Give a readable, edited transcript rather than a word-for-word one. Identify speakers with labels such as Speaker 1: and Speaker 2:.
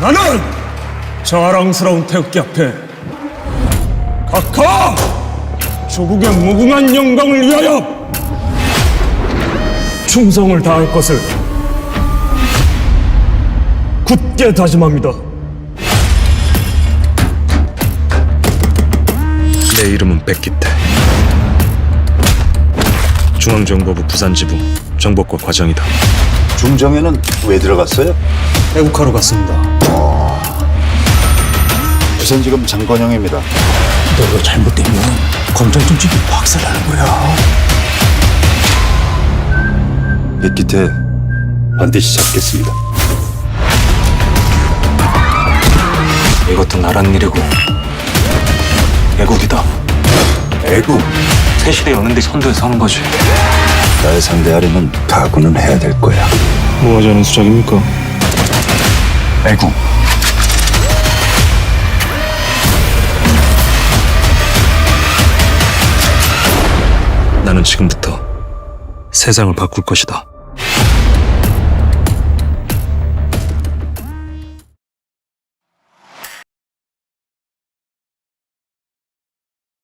Speaker 1: 나는 자랑스러운 태극기 앞에 각하 조국의 무궁한 영광을 위하여 충성을 다할 것을 굳게 다짐합니다.
Speaker 2: 내 이름은 백기태. 중앙정보부 부산지부 정보과 과장이다.
Speaker 3: 중정에는 왜 들어갔어요?
Speaker 2: 애국하러 갔습니다.
Speaker 3: 부산지검 장건영입니다.
Speaker 1: 너가 잘못되면 검찰 정책이 박살나는 거야.
Speaker 3: 백기태 반드시 잡겠습니다.
Speaker 2: 이것도 나란 일이고 애국이다.
Speaker 3: 애국.
Speaker 2: 새시대 여는데 선두에 서는 거지.
Speaker 3: 날 상대하려면 각오는 해야 될 거야.
Speaker 2: 뭐 하자는 수작입니까?
Speaker 3: 애국.
Speaker 2: 나는 지금부터 세상을 바꿀 것이다.